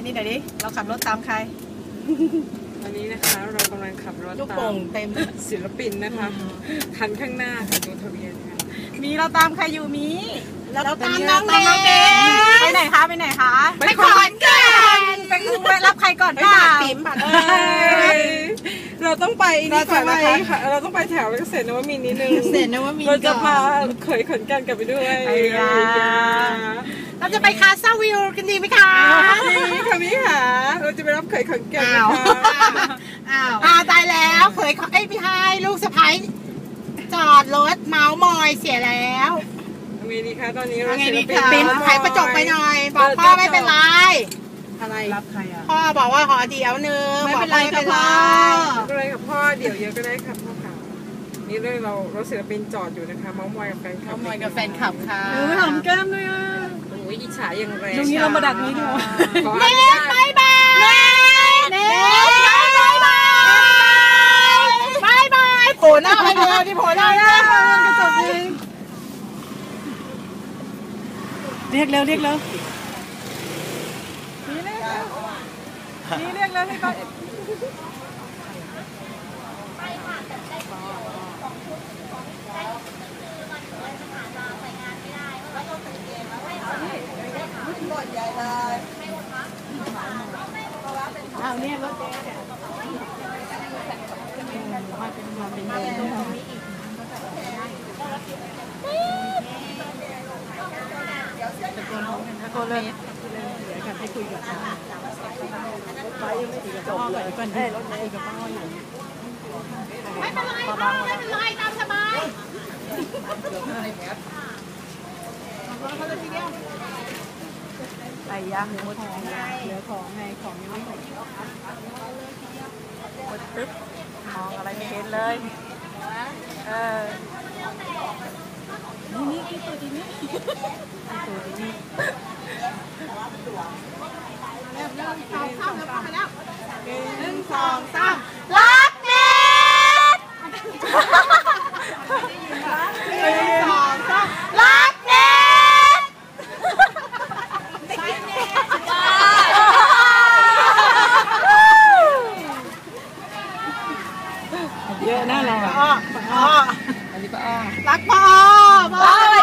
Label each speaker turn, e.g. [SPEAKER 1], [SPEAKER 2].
[SPEAKER 1] นี้หน่อยดิเราขับรถตามใคร
[SPEAKER 2] วันนี้นะคะเรากำลังขับรถตามศิลปินนะคะคันข้างหน้าค่ะดูทะเบียนค่ะ
[SPEAKER 1] มีเราตามใครอยู่มี
[SPEAKER 3] เราตามน้องเด
[SPEAKER 1] ไปไหนคะไปไหนคะ
[SPEAKER 3] ไปขอนแก่น
[SPEAKER 1] ไปรับใครก่อน
[SPEAKER 3] ค่ะ
[SPEAKER 2] เราต้องไปนี่ก่อนนะคะเราต้องไปแถวเกษตรนวมินทร์นิดนึงเราจะพาเขยขอนแก่นกลับไปด้วย
[SPEAKER 3] เราจะไปคาซาวิลกันดีไหมคะ
[SPEAKER 2] นี่ค่ะพี่ค่ะเราจะไปรับเขยขอนแก่นนะคะ
[SPEAKER 3] ตายแล้วเขยพี่ไฮลูกสะพ้ายจอดรถเมาส์มอยเสียแล้ว
[SPEAKER 2] ไงดีคะตอนนี้เราศิล
[SPEAKER 3] ปินไขประจบไปหน่อยบอกพ่อไม่เป็นไร
[SPEAKER 1] อะไรรับใครอ่ะ
[SPEAKER 3] พ่อบอกว่าขอเดี๋ยวนึง
[SPEAKER 1] ไม่เป็นไรกับพ่อ
[SPEAKER 2] ก็เลยกับพ่อเดี๋ยวเยอะก็ได้ครับพ่อค่ะนี่เลยเราศิลปินจอดอยู่นะคะเมาส์มอยกับแฟนคลับ
[SPEAKER 3] เมาส์มอยกับแฟนคลับค่ะ
[SPEAKER 1] หอมแก้มเลยอ่ะ
[SPEAKER 2] โอ้ยอิจฉาอย่างแรง
[SPEAKER 1] ตรงนี้เรามาดักนี้ดีกว่า
[SPEAKER 3] เน็ตบายบายเน็ตบายบายบายโผล่หน้าไปเร็วที่โผล่หน้า
[SPEAKER 1] กระจกเองเรียกเร็วนี่เรียกเร็วให้ไปเนี่ยรถเจ๊เนี่ยเป็นเดินตะโกนเลยเดี๋ยวกันให้คุยกับเขาไปยังไม่ถึงกับจบเลยก่อนที่รถคุยกับป้าอยู่
[SPEAKER 3] ไม่เป็นไรไม่เป็นไรตามสบาย
[SPEAKER 1] ไปย่างหมดของเหลือของไงของยังไม่หมดปึ๊บมองอะไรไม่เห็นเลยนี่ตัวดีนี่
[SPEAKER 3] 1 2 3รักเน็ต1 2 3รักเน็ต
[SPEAKER 1] เยอะน่ารักอันนี้ป้า
[SPEAKER 3] รักพ่อ